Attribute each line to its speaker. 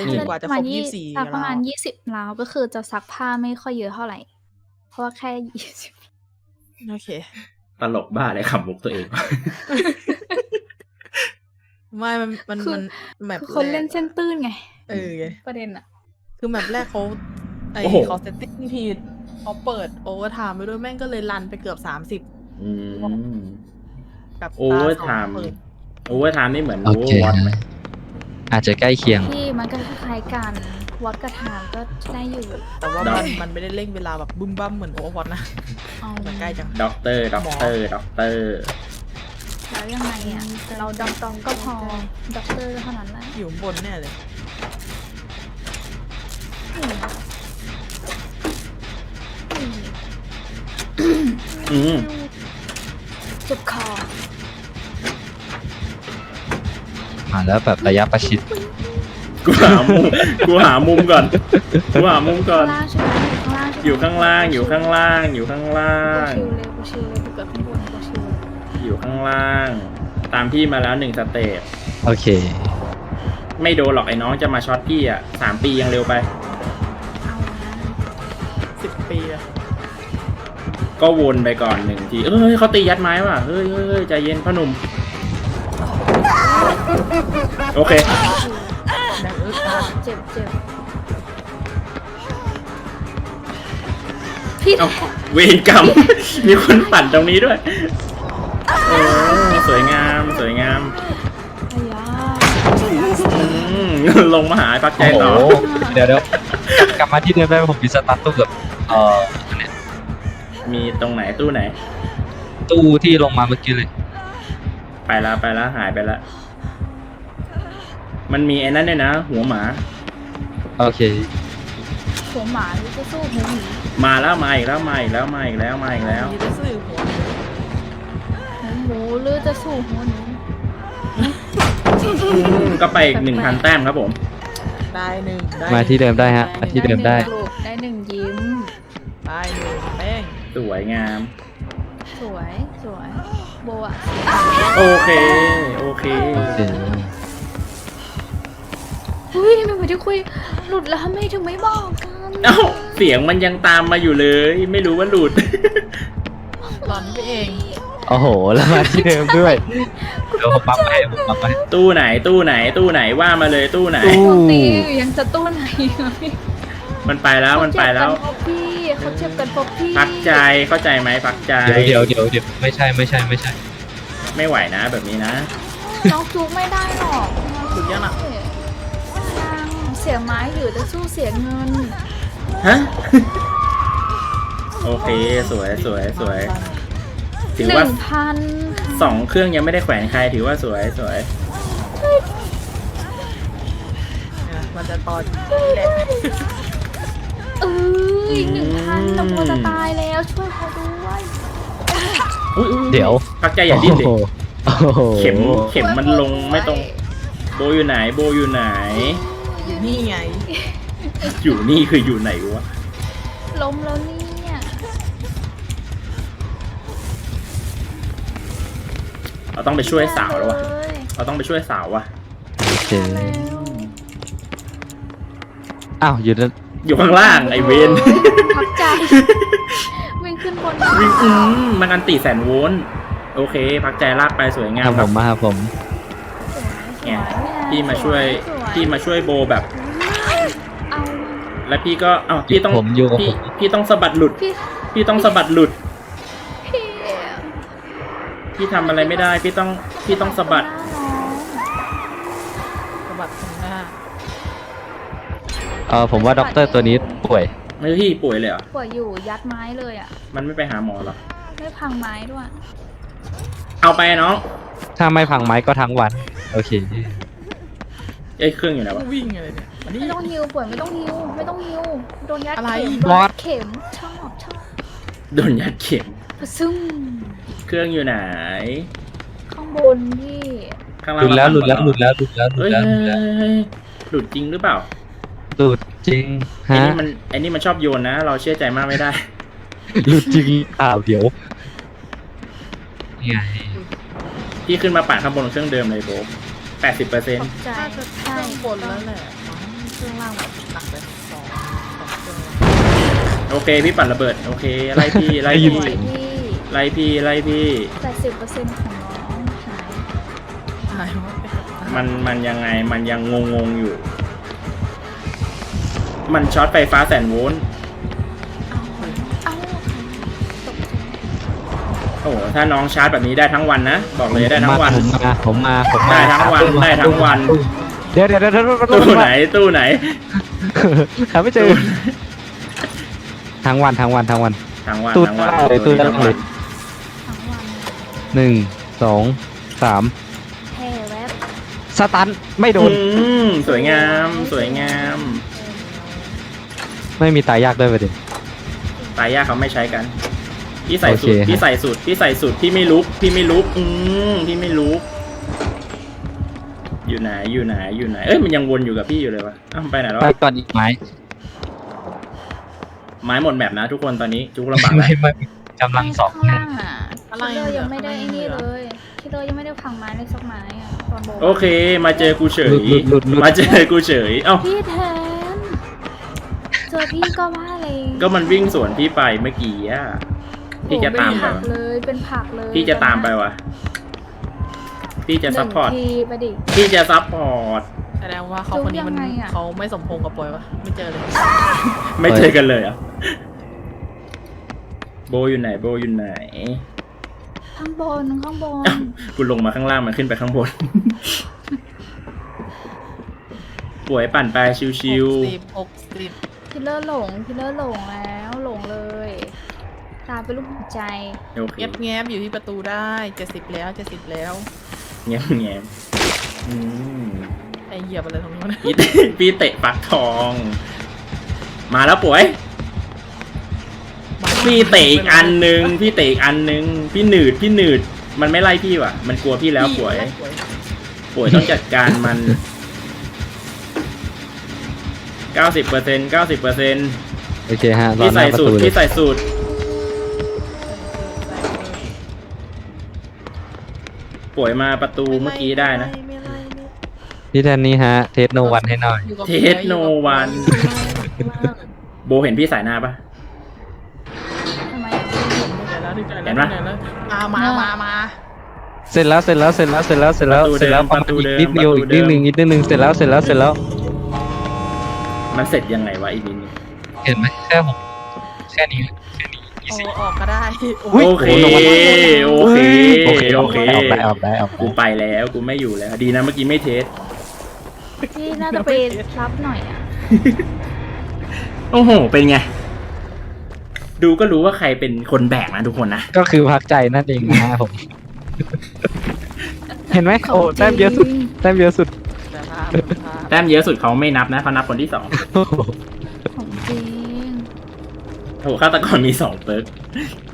Speaker 1: ล่นจนกว่าจะครบ24
Speaker 2: สักประมาณ
Speaker 1: ราว
Speaker 2: 20 ราวก็คือจะซักผ้าไม่ค่อยเยอะเท่าไหร่ เพราะว่าแค่ 20
Speaker 1: โอเค
Speaker 3: ตลกบ้าเลยขำมุกตัวเอง
Speaker 1: ไม่มันแมป
Speaker 2: คนเล่นเส้นตื้นไง ประเด็นอะ
Speaker 1: คือแมปแรกเขา
Speaker 3: โอ้โห
Speaker 1: เขาเซตติ้งผิดเขาเปิดโอเวอร์ไทม์ไปด้วยแม่งก็เลยรันไปเกือบ30
Speaker 3: อืม
Speaker 1: กับ
Speaker 3: โอเวอร์ไทม์โอเวอร์ไทม์นี่เหมือน
Speaker 4: โอเค
Speaker 3: วัดไหม
Speaker 4: อาจจะใกล้เคียง
Speaker 2: ที่มันก็คล้ายๆกันวัดกระถางก็ได้อยู่
Speaker 1: แต่ว่ามันไม่ได้เร่งเวลาแบบบึ้มบั้มเหมือนโอเวอร์วอตนะ
Speaker 2: เอา
Speaker 1: มันใกล้จัง
Speaker 3: ด็อกเตอร์ด็อกเตอร์ด็อกเตอร์
Speaker 2: แล้วยังไงอะเราดองก็พอด็อกเตอร์เท่านั้นแหละ
Speaker 1: อยู่บนแน่เลย
Speaker 3: อืม
Speaker 2: เจ็บคอ
Speaker 4: มาแล้วแบบระยะประชิด
Speaker 3: กูหามุมก่อนกูหามุมก่อน
Speaker 2: ข้างล่างใช่ไหมข้างล่างใช่ไหม
Speaker 3: อยู่ข้างล่างอยู่ข้างล่างอยู่ข้างล่าง
Speaker 2: กูชิวเลยกูเกิดข้างบนกูชิวเลย
Speaker 3: อยู่ข้างล่าง ตามพี่มาแล้ว1 สเตจ
Speaker 4: โอเค
Speaker 3: ไม่โดนหรอกไอ้น้องจะมาช็อตพี่อ่ะ3 ปียังเร็วไป
Speaker 2: เอานะ
Speaker 1: 10 ปีอะ
Speaker 3: ก็วนไปก่อน1 ทีเขาตียัดไม้ว่ะเฮ้ยใจเย็นพ่อหนุ่มโอเค
Speaker 1: แรง
Speaker 2: เจ็บพี่
Speaker 3: เอาเวรกรรม มีคนปั่นตรงนี้ด้วยโอ้สวยงามสวยงาม
Speaker 2: อายา
Speaker 3: ลงมาหาพักใจ
Speaker 4: โอ้โห
Speaker 3: ต่อ
Speaker 4: เดี๋ยวกลับมาที่เดิมได้ไหมผมมีสตาร์ทตู้กับเนี่ย
Speaker 3: มีตรงไหนตู้ไหน
Speaker 4: ตู้ที่ลงมาเมื่อกี้เลย
Speaker 3: ไปแล้วหายไปแล้วมันมีไอ้นั่นด้วยนะ หัวหมา
Speaker 4: โอเค
Speaker 2: หัวหมาหรือจะสู้หัวหมี
Speaker 3: มาอีกแล้ว
Speaker 1: มีแต่ซื่อหัว
Speaker 2: หัวหมูหรือจะสู้หัวหนู
Speaker 3: ก็ไปอีก 1,000 แต้มครับผม
Speaker 1: ได้หนึ่งได้
Speaker 4: มาที่เดิมได้ฮะมาที่เดิมได้
Speaker 2: ได้หนึ่งยิ้ม
Speaker 1: ได้หนึ่งแป้ง
Speaker 3: สวยงาม
Speaker 2: สวยโบอะ
Speaker 3: โอเค
Speaker 4: โอเค
Speaker 2: เฮ้ยไม่เหมือนที่คุยหลุดแล้วทำไมถึงไม่บอกกัน
Speaker 3: เอ้าเสียงมันยังตามมาอยู่เลย ไม่รู้ว่าหลุด
Speaker 1: หลอนไปเอง
Speaker 4: โอ้โห แล้วมาที่เดิมด้วยเดี๋ยวผมปั๊มให้
Speaker 3: ตู้ไหนว่ามาเลยตู้ไหน
Speaker 4: ตู้
Speaker 2: ปกติยังจะตู้ไหน
Speaker 3: มันไปแล้ว
Speaker 2: เขาเจ็บกันเพราะพี่
Speaker 3: พักใจเข้าใจไหมพักใจ
Speaker 4: เดี๋ยวไม่ใช่
Speaker 3: ไม่ไหวนะแบบนี้นะ
Speaker 2: น้องจูไม่ได้หรอก
Speaker 1: หลุดยังอ่ะ
Speaker 2: เสียไม้หรือจะสู้เสียเงิน
Speaker 3: ฮะ โอเคสวยถือว่า
Speaker 2: 1,000
Speaker 3: 2 เครื่องยังไม่ได้แขวนใครถือว่าสวย
Speaker 1: มันจะตอนแหละ
Speaker 2: อีก 1,000น้ำโมจะตายแล้วช่วยเขาด้วย
Speaker 3: อุ๊ย
Speaker 4: เดี๋ยว
Speaker 3: พักใจอย่าดิ้นดิ
Speaker 4: โอ้โห
Speaker 3: เข็มมันลงไม่ตรงโบอยู่ไหน
Speaker 1: อยู่นี่ไง
Speaker 3: อยู่นี่คืออยู่ไหนวะ
Speaker 2: ล้มแล้วเนี่ย
Speaker 3: เราต้องไปช่วยสาวแล้ววะเราต้องไปช่วยสาววะ
Speaker 4: โอเคอ้าวอยู่นั่น
Speaker 3: อยู่ข้างล่างไอเวน
Speaker 2: พักใจวิ่งขึ้นบน
Speaker 3: วิ่งมันอันตี100,000 โวลต์โอเค พักใจลากไปสวยงาม
Speaker 4: ผมมาครับผม
Speaker 3: เนี่ยพี่มาช่วยโบแบบ
Speaker 2: เอา
Speaker 3: แล้วพี่ก็พี่ต้อง
Speaker 4: ผมอยู่กับผม
Speaker 3: พี่ต้องสะบัดหลุด
Speaker 2: พี่
Speaker 3: พี่ต้องสะบัดหลุด
Speaker 2: พี่
Speaker 3: พี่ทำอะไรไม่ได้ พี่ต้องสะบัด
Speaker 1: สะบัดตรงหน้า
Speaker 4: ผมว่าด็อกเตอร์ตัวนี้ป่วย
Speaker 3: ไม่พี่ป่วยเลยเหรอ
Speaker 2: ป่วยอยู่ยัดไม้เลยอ่ะ
Speaker 3: มันไม่ไปหาหมอหรอ
Speaker 2: ไม่พังไม้ด้วย
Speaker 3: เอาไปน้อง
Speaker 4: ถ้าไม่พังไม้ก็ทั้งวัน โอเค
Speaker 3: เครื่องอยู่ไหนวะ
Speaker 1: วิ่งอะไรเนี่ยอันนี้
Speaker 2: ไม่ต้องฮิวป่วยไม่ต้องฮิวโดนยัด
Speaker 1: อะไร
Speaker 2: เข็ม
Speaker 4: บอส
Speaker 2: เข็มชอบ
Speaker 3: โดนยัดเข็ม
Speaker 2: ซึ่ง
Speaker 3: เครื่องอยู่ไหน
Speaker 2: ข้างบนพี่
Speaker 3: ข้าง
Speaker 4: ห
Speaker 3: ล่าง
Speaker 4: ลุดแล้ว
Speaker 3: มาตั้งก่อนเหรอเฮ้ย หลุดจริงหรือเปล่า
Speaker 4: หลุดจริง
Speaker 3: ไอ้
Speaker 4: ฮะ
Speaker 3: นี่มันชอบโยนนะ เราเชื่อใจมากไม่ได้
Speaker 4: หลุดจริงเดี๋ยวนี่ไง
Speaker 3: พี่ขึ้นมาปั่นข้างบนเครื่องเดิมเลยโบ 80%
Speaker 2: ตกใจ
Speaker 1: น่าจะเครื่องบนแล้วแหละเครื่องล่างแบบหนักเลยสองเครื่องล่าง
Speaker 3: โอเคพี่ปั่นระเบิดโอเคไล่พี่ไล่
Speaker 2: ส
Speaker 3: พี่
Speaker 2: วยพี่
Speaker 3: ไล่พี่ไล่พี่
Speaker 2: 80%ของน้องหาย
Speaker 1: หายหมดไป
Speaker 3: มันยังไงมันยังงงอยู่ มันช็อตไฟฟ้าแสนโวลต์
Speaker 2: เอาตกใจ
Speaker 3: โอ้โหถ้าน้องชาร์จแบบนี้ได้ทั้งวันนะบอกเลยได้ทั้งวัน
Speaker 4: ผมมา
Speaker 3: ได้ทั้งวันได้ทั้งวัน
Speaker 4: เดี๋ยว
Speaker 3: ตู้ไหนตู้ไหน
Speaker 4: หาไม่เจอทั้งวัน
Speaker 3: ทั้งวัน
Speaker 4: ตู้
Speaker 3: ทั้งวัน
Speaker 4: เลยตู้ด้านล่างเลย
Speaker 2: ทั้งวัน
Speaker 4: 1 2 3
Speaker 2: แพ้แวบ
Speaker 4: สตันไม่โดน
Speaker 3: สวยงามสวยงาม
Speaker 4: ไม่มีตายยากด้วยประเด็น
Speaker 3: ตายยากเขาไม่ใช้กันพี่ใส่สูตร
Speaker 4: โอเค
Speaker 3: พี่ใส่สูตรพี่ใส่สูตรพี่ไม่ลุกพี่ไม่ลุกพี่ไม่ลุกอยู่ไหนเอ้ยมันยังวนอยู่กับพี่อยู่เลยวะอ้าวมันไปไหนแล้ว
Speaker 4: ไป
Speaker 3: วะ
Speaker 4: ก่อนอีกไหม
Speaker 3: ไม้หมดแมปนะทุกคนตอนนี้จุกลำบากแล้ว
Speaker 4: ไม่กำลังสอง
Speaker 2: ข้างล่างอ่ะ
Speaker 1: อะไร
Speaker 2: คิลเลอร์ยังไม่ได้ไอ้นี่เลยคิลเลอร์ยังไม่ได้พังไม้เลยสักไม้อ่ะตอนโบ
Speaker 3: โอเค มาเจอกูเฉย
Speaker 4: หลุด
Speaker 3: มาเจอกูเฉยเอ้า
Speaker 2: พี่แทนเจอพี่ก็ว่าเลย
Speaker 3: ก็มันวิ่งสวนพี่ไปเมื่อกี้อะพี่จะตามไป
Speaker 2: ผัก
Speaker 3: วะ
Speaker 2: เลยเป็นผักเลย
Speaker 3: พี่จะตามไปวะพี่จะซัพพอร์ต
Speaker 2: หนึ่งทีไปดิ
Speaker 3: พี่จะซัพพอร์ต
Speaker 1: แสดงว่าเขาคนนี้มัน
Speaker 2: จุ๊บยังไงอะ
Speaker 1: เขาไม่สมพงษ์กับปอยวะไม่เจอเลย
Speaker 3: ไม่เจอกันเลยเหรอ่ะโบอยู่ไหนโบอยู่ไหน
Speaker 2: ข้างบน
Speaker 3: กูลงมาข้างล่างมันขึ้นไปข้างบน ป่วยปั่นไปชิว
Speaker 1: 60
Speaker 2: คิลเลอร์หลงแล้วหลงเลย ตาเป็นลูกหัวใจ
Speaker 3: ๆโอเค
Speaker 1: แงบอยู่ที่ประตูได้70แล้วแล้ว
Speaker 3: เงียบอืม
Speaker 1: ไอเหยียบอะไรตรงนู้น
Speaker 3: พี่เตะปักทอง มาแล้วป่วย พี่เตะอีกอันนึงพี่หนืดมันไม่ไล่พี่ว่ะ มันกลัวพี่แล้วป่วยต้องจัดการมัน 90%
Speaker 4: โอเคฮะรอ
Speaker 3: พี่
Speaker 4: ห
Speaker 3: ใส่
Speaker 4: น้าประ
Speaker 3: สูต
Speaker 4: ตู
Speaker 3: ร
Speaker 4: เลย
Speaker 3: พี่ใส่สูตรป่วยมาประตูเมื่อกี้ได้นะ
Speaker 1: ไม่ไล่
Speaker 4: พี่แทนนี้ฮะ เทสโนวันให้หน่อย
Speaker 1: อยู่กับ
Speaker 3: เทสโนวัน โบเห็นพี่สายหน้าปะ
Speaker 2: ทำไม
Speaker 1: เห็นปะมา
Speaker 4: เสร็จแล้วประมาณอีกนิดเดียวอีกนิดนึงเสร็จแล้ว
Speaker 3: มันเสร็จยังไงวะอีกนิดนึง
Speaker 4: เห็นไหมแค่ผมแค่นี้
Speaker 1: โอ้ออกก็ได้
Speaker 3: โอเค
Speaker 4: โอเคออกได้
Speaker 3: กูไปแล้วกูไม่อยู่แล้ว ดีนะเมื่อกี้ไม่เทส
Speaker 2: ที่น่าจะไปรับหน่อยอ่ะ
Speaker 3: โอ้โห เป็นไง ดูก็รู้ว่าใครเป็นคนแบกนะทุกคนนะ
Speaker 4: ก็คือพักใจนั่นเองนะผม เห็นไหมโอ้แต้มเยอะสุด
Speaker 1: แต่ภาพ
Speaker 3: แต้มเยอะสุดเขาไม่นับนะเขานับคนที่สอง
Speaker 2: ของจริง
Speaker 3: โอ้โหฆาตกรมี2 เปิร์ก